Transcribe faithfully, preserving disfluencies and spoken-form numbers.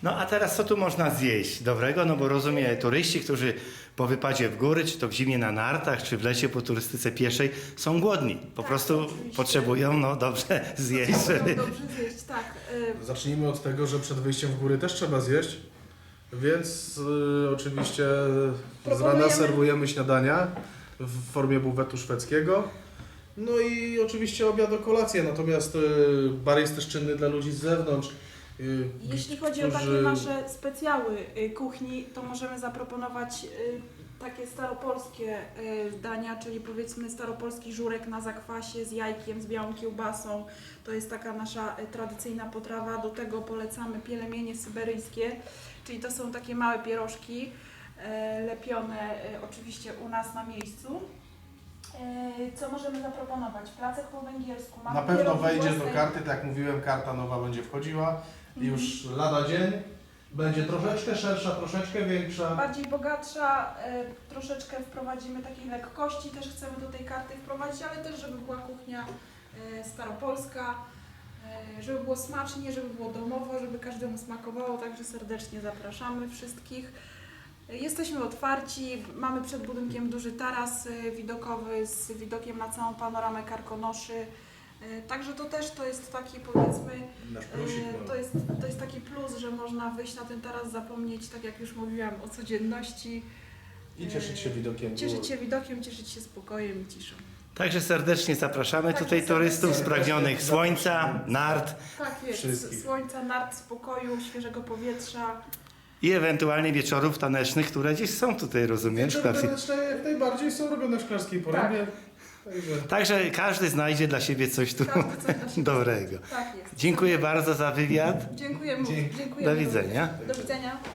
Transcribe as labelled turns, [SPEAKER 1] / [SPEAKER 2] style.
[SPEAKER 1] No a teraz co tu można zjeść dobrego? No bo rozumiem, turyści, którzy po wypadzie w góry, czy to w zimie na nartach, czy w lecie po turystyce pieszej, są głodni. Po
[SPEAKER 2] Tak,
[SPEAKER 1] prostu
[SPEAKER 2] oczywiście.
[SPEAKER 1] potrzebują no dobrze zjeść.
[SPEAKER 2] Potrzebują
[SPEAKER 1] Żeby...
[SPEAKER 2] dobrze zjeść, tak. Y,
[SPEAKER 3] Zacznijmy od tego, że przed wyjściem w góry też trzeba zjeść, więc y, oczywiście z rana
[SPEAKER 2] Proponujemy-
[SPEAKER 3] serwujemy śniadania w formie buwetu szwedzkiego. No i oczywiście obiad o kolację, natomiast y, bar jest też czynny dla ludzi z zewnątrz. y,
[SPEAKER 2] Jeśli chodzi o takie
[SPEAKER 3] którzy-
[SPEAKER 2] nasze specjały y, kuchni, to możemy zaproponować y, takie staropolskie y, dania, czyli powiedzmy staropolski żurek na zakwasie z jajkiem, z białą kiełbasą. To jest taka nasza y, tradycyjna potrawa. Do tego polecamy pielemienie syberyjskie, czyli to są takie małe pierożki y, lepione y, oczywiście u nas na miejscu. Y, Co możemy zaproponować? Placek po węgiersku. Mamy
[SPEAKER 3] Na pewno
[SPEAKER 2] pierogi
[SPEAKER 3] wejdzie do
[SPEAKER 2] własnej-
[SPEAKER 3] karty, tak jak mówiłem, karta nowa będzie wchodziła i
[SPEAKER 2] Mhm.
[SPEAKER 3] już lada dzień będzie troszeczkę szersza, troszeczkę większa.
[SPEAKER 2] Bardziej bogatsza, y, troszeczkę wprowadzimy takiej lekkości, też chcemy do tej karty wprowadzić, ale też żeby była kuchnia y, staropolska, y, żeby było smacznie, żeby było domowo, żeby każdemu smakowało, także serdecznie zapraszamy wszystkich. Y, Jesteśmy otwarci, mamy przed budynkiem duży taras y, widokowy z widokiem na całą panoramę Karkonoszy, y, także to też to jest taki powiedzmy
[SPEAKER 3] Nasz plusik.
[SPEAKER 2] E,
[SPEAKER 3] no.
[SPEAKER 2] To jest, to jest taki plus, że można wyjść na ten taras, zapomnieć, tak jak już mówiłam, o codzienności.
[SPEAKER 3] I cieszyć się widokiem.
[SPEAKER 2] Cieszyć się widokiem, cieszyć się spokojem i ciszą.
[SPEAKER 1] Także serdecznie zapraszamy
[SPEAKER 2] Także
[SPEAKER 1] tutaj turystów
[SPEAKER 2] serdecznie.
[SPEAKER 1] spragnionych słońca, nart
[SPEAKER 2] Tak jest,
[SPEAKER 3] Wszystkich.
[SPEAKER 2] słońca, nart, spokoju, świeżego powietrza.
[SPEAKER 1] i ewentualnie wieczorów tanecznych, które gdzieś są tutaj, rozumiem, w
[SPEAKER 3] Wieczory
[SPEAKER 1] szklarskiej.
[SPEAKER 3] taneczne jak najbardziej są robione w szklarskiej porębie. Także
[SPEAKER 1] Także każdy znajdzie dla siebie coś tu
[SPEAKER 2] Każdy coś dla siebie
[SPEAKER 1] dobrego.
[SPEAKER 2] Tak jest.
[SPEAKER 1] Dziękuję bardzo za wywiad.
[SPEAKER 2] Dziękujemy.
[SPEAKER 3] Dzięki.
[SPEAKER 2] Dziękujemy.
[SPEAKER 1] Do widzenia.
[SPEAKER 2] Do widzenia.